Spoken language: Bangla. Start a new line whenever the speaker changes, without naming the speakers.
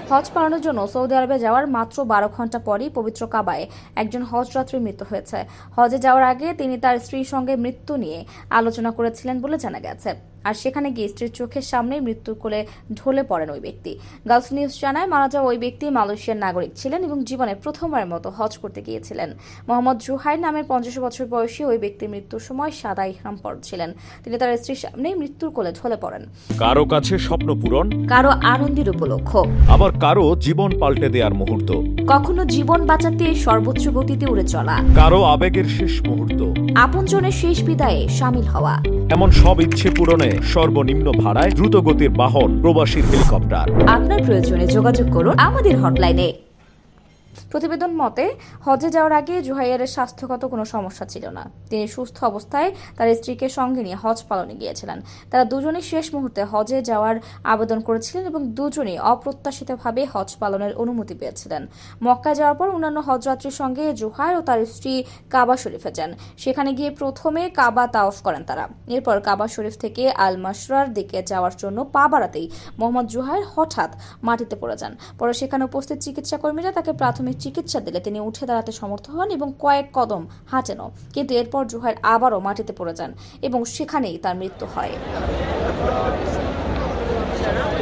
হজ পালনের জন্য সৌদি আরবে যাওয়ার মাত্র 12 ঘন্টা পরই পবিত্র কাবায় একজন হজযাত্রীর মৃত্যু হয়েছে। হজে যাওয়ার আগে তিনি তার স্ত্রীর সঙ্গে মৃত্যু নিয়ে আলোচনা করেছিলেন বলে জানা গেছে। আর সেখানে গিয়ে স্ত্রীর চোখের সামনেই মৃত্যুর কোলে ঢলে পড়েন ওই ব্যক্তি। গালফ নিউজ জানায়, মারা যাওয়া ওই ব্যক্তি মালয়েশিয়ার নাগরিক ছিলেন এবং জীবনে প্রথমবারের মতো হজ করতে গিয়েছিলেন। মোহাম্মদ জুহাইর নামের 50 বছর বয়সী ওই ব্যক্তির মৃত্যুর সময় সাদা ইহরাম পরেছিলেন। তিনি তার স্ত্রীর সামনেই মৃত্যুর কোলে ঢলে পড়েন।
কারো কাছে স্বপ্ন পূরণ,
কারো আনন্দের উপলক্ষ,
আবার কারো জীবন পাল্টে দেওয়ার মুহূর্ত,
কখনো জীবন বাঁচাতে সর্বোচ্চ গতিতে উড়ে চলা,
কারো আবেগের শেষ মুহূর্ত,
আপনজনের শেষ বিদায়ে শামিল হওয়া।
এমন সব ইচ্ছে পূরণে সর্বনিম্ন ভাড়ায় দ্রুতগতির বাহন প্রবাসীর হেলিকপ্টার।
আপনার প্রয়োজনে যোগাযোগ করুন আমাদের হটলাইনে। প্রতিবেদন মতে, হজে যাওয়ার আগে জুহাইরের স্বাস্থ্যগত কোনো সমস্যা ছিল না। তিনি সুস্থ অবস্থায় তার স্ত্রীকে সঙ্গে নিয়ে হজ পালনে গিয়েছিলেন। তারা দুজনেই শেষ মুহূর্তে হজে যাওয়ার আবেদন করেছিলেন এবং দুজনেই অপ্রত্যাশিতভাবে হজ পালনের অনুমতি পেয়েছিলেন। মক্কায় যাওয়ার পর অন্যান্য হজযাত্রীর সঙ্গে জুহাইর ও তার স্ত্রী কাবা শরীফে যান। সেখানে গিয়ে প্রথমে কাবা তাওয়াফ করেন তারা। এরপর কাবা শরীফ থেকে আল মাশরার দিকে যাওয়ার জন্য পা বাড়াতেই মোহাম্মদ জুহাইর হঠাৎ মাটিতে পড়ে যান। পরে সেখানে উপস্থিত চিকিৎসা কর্মীরা তাকে প্রাথমিক চিকিৎসা দিলে তিনি উঠে দাঁড়াতে সমর্থ হন এবং কয়েক কদম হাঁটেনও। কিন্তু এরপর জুহাইর আবারও মাটিতে পড়ে যান এবং সেখানেই তার মৃত্যু হয়।